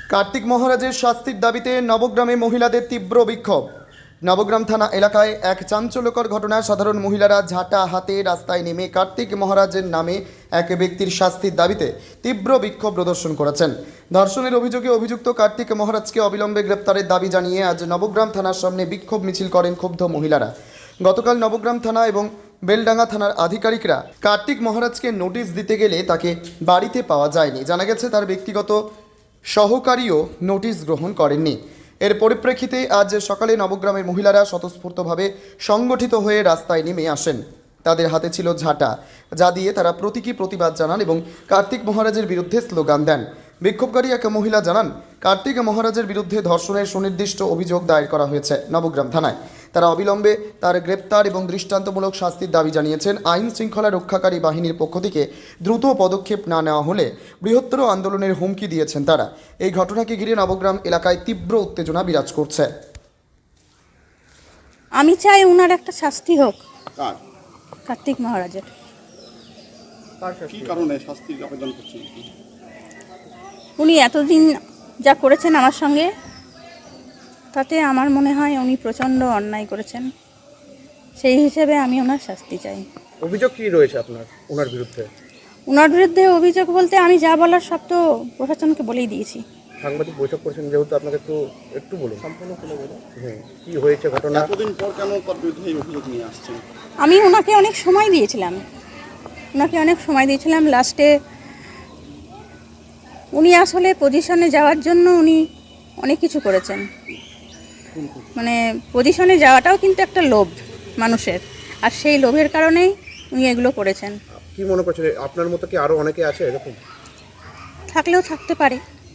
কার্তিক মহারাজের শাস্তির দাবিতে নবগ্রামে মহিলাদের তীব্র বিক্ষোভ। নবগ্রাম থানা এলাকায় এক চাঞ্চল্যকর ঘটনায় সাধারণ মহিলারা ঝাঁটা হাতে রাস্তায় নেমে কার্তিক মহারাজের নামে এক ব্যক্তির শাস্তির দাবিতে তীব্র বিক্ষোভ প্রদর্শন করেছেন। ধর্ষণের অভিযোগে অভিযুক্ত কার্তিক মহারাজকে অবিলম্বে গ্রেপ্তারের দাবি জানিয়ে আজ নবগ্রাম থানার সামনে বিক্ষোভ মিছিল করেন ক্ষুব্ধ মহিলারা। গতকাল নবগ্রাম থানা এবং বেলডাঙ্গা থানার আধিকারিকরা কার্তিক মহারাজকে নোটিশ দিতে গেলে তাকে বাড়িতে পাওয়া যায়নি। জানা গেছে তার ব্যক্তিগত সহকারীও নোটিশ গ্রহণ করেননি। এর পরিপ্রেক্ষিতে আজ সকালে নবগ্রামের মহিলারা স্বতঃস্ফূর্তভাবে সংগঠিত হয়ে রাস্তায় নেমে আসেন। তাদের হাতে ছিল ঝাঁটা, যা দিয়ে তারা প্রতীকী প্রতিবাদ জানান এবং কার্তিক মহারাজের বিরুদ্ধে স্লোগান দেন। বিক্ষোভকারী এক মহিলা জানান, কার্তিক মহারাজের বিরুদ্ধে ধর্ষণের সুনির্দিষ্ট অভিযোগ দায়ের করা হয়েছে নবগ্রাম থানায়। তারা অবিলম্বে তার গ্রেপ্তার এবং দৃষ্টান্তমূলক শাস্তির দাবি জানিয়েছেন। আইন শৃঙ্খলা রক্ষাকারী বাহিনীর পক্ষ থেকে দ্রুত পদক্ষেপ না নেওয়া হলে বৃহত্তর আন্দোলনের হুমকি দিয়েছেন তারা। এই ঘটনাকে ঘিরে নবগ্রাম এলাকায় তীব্র উত্তেজনা বিরাজ করছে। আমি চাই ওনার একটা শাস্তি হোক। কার? কার্তিক মহারাজের। কি কারণে শাস্তির আবেদন করছেন? উনি এতদিন যা করেছেন আমার সঙ্গে, তাতে আমার মনে হয় উনি প্রচণ্ড অন্যায় করেছেন। সেই হিসেবে আমি ওনার শাস্তি চাই। অভিযোগ কি রয়েছে আপনার ওনার বিরুদ্ধে? ওনার বিরুদ্ধে অভিযোগ বলতে আমি যা বলার সব তো প্রশাসনকে বলেই দিয়েছি। সাংবাদিক বৈঠক করেছেন যেহেতু, আপনাকে একটু বলুন সম্পূর্ণ করে বলুন কি হয়েছে ঘটনা। এতদিন পর কেন তার বিরুদ্ধে এই অভিযোগ নিয়ে আসছেন? আমি ওনাকে অনেক সময় দিয়েছিলাম। লাস্টে উনি আসলে পজিশনে যাওয়ার জন্য উনি অনেক কিছু করেছেন। মানে পজিশনে যাওয়াটাও কিন্তু একটা লোভ মানুষের, আর সেই লোভের কারণেই উনি এগুলো করেছেন। কি মনে করছেন আপনার মতো কি আরো অনেকে আছে এরকম? থাকলেও থাকতে পারে।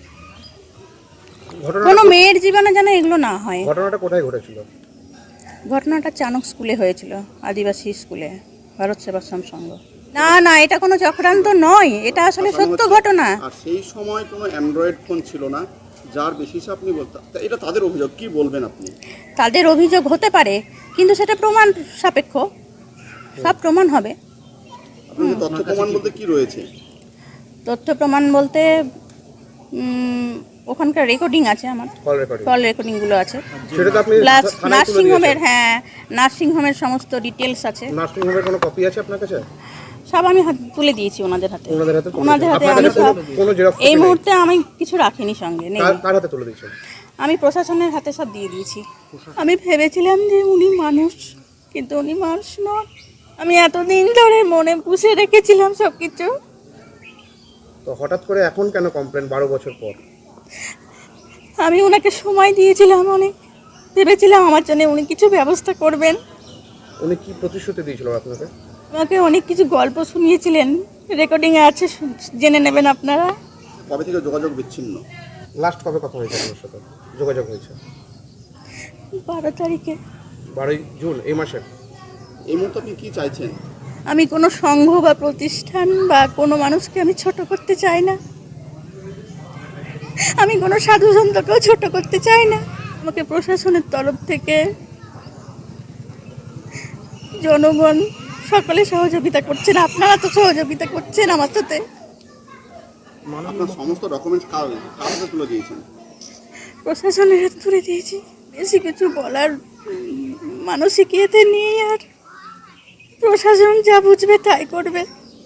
ঘটনা কোনো মেয়ের জীবনে যেন এগুলো না হয়। ঘটনাটা কোথায় ঘটেছিল? ঘটনাটা চানক স্কুলে হয়েছিল, আদিবাসী স্কুলে, ভারত সেবাশ্রম সংঘ। না, এটা কোনো চক্রান্ত নয়, এটা আসলে সত্য ঘটনা। আর সেই সময় কোনো অ্যান্ড্রয়েড ফোন ছিল না, যার বেসিসে আপনি বলতে, এটা তাদের অভিযোগ। কি বলবেন আপনি? তাদের অভিযোগ হতে পারে, কিন্তু সেটা প্রমাণ সাপেক্ষ, সব প্রমাণ হবে। আপনাদের তথ্য প্রমাণ বলতে কি রয়েছে? তথ্য প্রমাণ বলতে ওখানকার রেকর্ডিং আছে, আমার কল রেকর্ডিংগুলো আছে, সেটা তো আপনি প্লাস নার্সিংহোমের সমস্ত ডিটেলস আছে। নার্সিংহোমের কোনো কপি আছে আপনার কাছে? সব আমি তুলে দিয়েছি ওনাদের হাতে। ওনাদের হাতে আমি সব, কোনো জেরক্স এই মুহূর্তে আমি কিছু রাখিনি সঙ্গে, নেই। কার হাতে তুলে দিয়েছেন? আমি প্রশাসনের হাতে সব দিয়ে দিয়েছি। আমি ভেবেছিলাম যে উনি মানুষ, কিন্তু উনি মানুষ নন। আমি এতদিন ধরে মনে পুষে রেখেছিলাম সব কিছু। তো হঠাৎ করে এখন কেন কমপ্লেন 12 বছর পর? আমি ওনাকে সময় দিয়েছিলাম, অনেক ভেবেছিলাম আমার জন্য উনি কিছু ব্যবস্থা করবেন। উনি কি প্রতিশ্রুতি দিয়েছিল আপনাকে? আমাকে অনেক কিছু গল্প শুনিয়েছিলেন, রেকর্ডিংয়ে আছে, জেনে নেবেন আপনারা। কবে থেকে যোগাযোগ বিচ্ছিন্ন? লাস্ট কবে কথা হয়েছে আপনার সাথে যোগাযোগ হয়েছে? 12 তারিখে। 12 জুন এই মাসে। এই মুহূর্তে আপনি কি চাইছেন? আমি কোনো সংঘ বা প্রতিষ্ঠান বা কোনো মানুষকে আমি ছোট করতে চাই না। আমি কোনো সাধু সন্তকেও ছোট করতে চাই না। আমাকে প্রশাসনের তরফ থেকে জনগণ সকলে সহযোগিতা করছেন, আপনারা তো সহযোগিতা করছেন আমার সাথে। আপনার সমস্ত ডকুমেন্টস কার হাতে তুলে দিয়েছেন? প্রশাসনের হাতে তুলে দিয়েছি। বেশি কিছু বলার মানসিকতা নেই, আর প্রশাসন যা বুঝবে তাই করবে।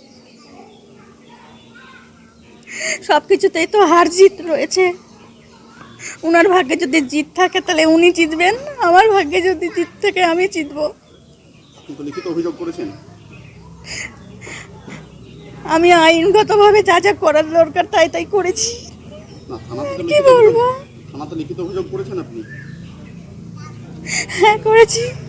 সব কিছুতেই তো হার জিত রয়েছে। ওনার ভাগ্যে যদি জিত থাকে তাহলে উনি জিতবেন, আমার ভাগ্যে যদি জিত থাকে আমি জিতবো। আপনি তো লিখিত অভিযোগ করেছেন? আমি আইনগতভাবে যা যা করার দরকার তাই করেছি। না, থানাতে কি বলবো? থানাতে লিখিত অভিযোগ করেছেন আপনি? হ্যাঁ, করেছি।